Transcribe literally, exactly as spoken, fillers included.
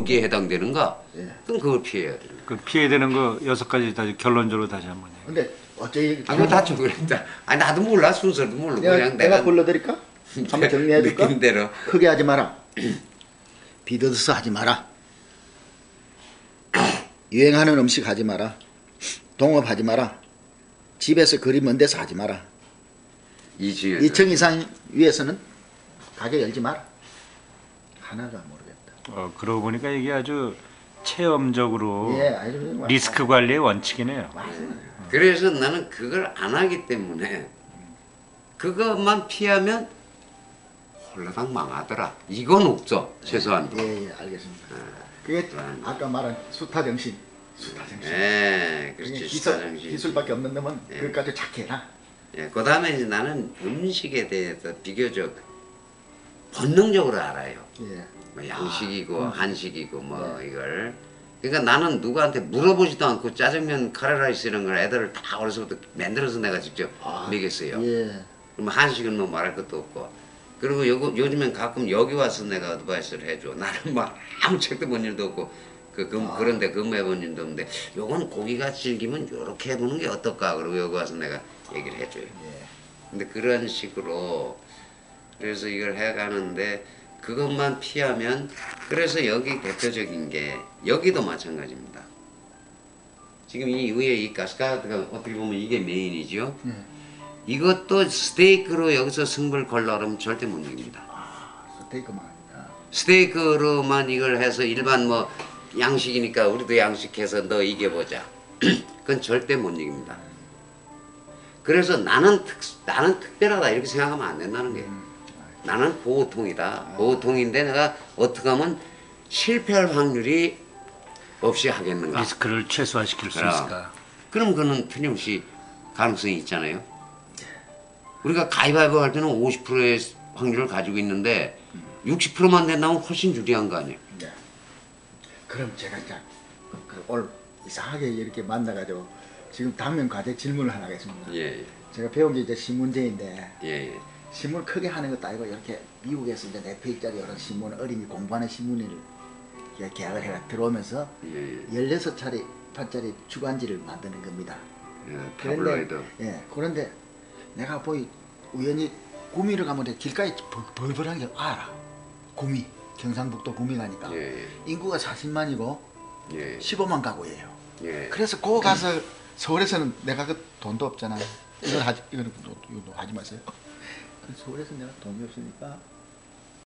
거기에 해당되는가? 예. 그럼 그걸 피해야 돼. 그 피해야 되는 거 여섯 가지 다시 결론적으로 다시 한번. 근데 어째 아, 그거 다좀 그랬다. 아니 나도 몰라 순서도 모르고 내가, 그냥 내가 내가 불러드릴까? 한번 정리해줄까? 느낀 대로. 크게 하지 마라. 비더스 하지 마라. 유행하는 음식 하지 마라. 동업하지 마라. 집에서 거리 먼 데서 하지 마라. 이 중에 이 층 이상 위에서는 가게 열지 마라. 하나가 모르겠다. 어, 그러고 보니까 이게 아주 체험적으로 예, 아주 리스크 관리의 원칙이네요. 그래서 나는 그걸 안 하기 때문에 그것만 피하면 홀라당 망하더라. 이건 없죠. 최소한. 예, 예, 알겠습니다. 그게 아까 말한 수타 정신. 수타 정신. 예, 그렇지. 기술, 수타 정신. 기술밖에 없는 놈은 예. 그것까지 착해라. 예, 그 다음에 이제 나는 음식에 대해서 비교적 본능적으로 알아요. 예. 뭐 양식이고 아, 음. 한식이고 뭐 네. 이걸. 그러니까 나는 누구한테 물어보지도 않고 짜장면 카레라이스 이런 걸 애들을 다 어려서부터 만들어서 내가 직접 아, 먹였어요. 예. 그럼 한식은 뭐 말할 것도 없고. 그리고 요, 요즘엔 가끔 여기 와서 내가 어드바이스를 해줘. 나는 뭐 아무 책도 본 일도 없고 그, 그 아. 그런데 근무해본 일도 없는데 요건 고기가 질기면 요렇게 해보는 게 어떨까. 그리고 여기 와서 내가 얘기를 해줘요. 예. 근데 그런 식으로 그래서 이걸 해가는데 그것만 피하면 그래서 여기 대표적인 게 여기도 마찬가지입니다. 지금 이 위에 이 가스카드가 어떻게 보면 이게 메인이죠. 예. 이것도 스테이크로 여기서 승부를 걸라 그러면 절대 못 이깁니다. 아, 스테이크만. 아. 스테이크로만 이걸 해서 일반 뭐 양식이니까 우리도 양식해서 너 이겨보자. 그건 절대 못 이깁니다. 그래서 나는 특, 나는 특별하다 이렇게 생각하면 안 된다는 거예요. 음. 나는 보통이다. 보통인데 내가 어떻게 하면 실패할 확률이 없이 하겠는가. 리스크를 최소화시킬 수 그럼. 있을까? 그럼 그는 틀림없이 가능성이 있잖아요. 우리가 가위바위보 할 때는 오십 퍼센트의 확률을 가지고 있는데 육십 퍼센트만 된다면 훨씬 유리한 거 아니에요. 네. 그럼 제가 이제 그 오늘 이상하게 이렇게 만나가지고 지금 당면 과제 질문을 하나 하겠습니다. 예, 제가 배운 게 이제 신문제인데 예, 예. 신문 크게 하는 것도 아니고 이렇게 미국에서 이제 네 페이지짜리 이런 신문 어린이 공부하는 신문을 계약을 해가 들어오면서 예, 예. 열여섯 차례 판짜리 주간지를 만드는 겁니다. 예, 그런데, 타블로이드. 예, 그런데 내가 보이 우연히 구미를 가면 길가에 벌벌한 게 알아. 구미, 경상북도 구미 가니까 예, 예. 인구가 사십만이고 예, 십오만 가구예요. 예. 그래서 거 가서 서울에서는 내가 그 돈도 없잖아. 이건 하지, 이거는 이거 하지 마세요. 서울에서 내가 돈이 없으니까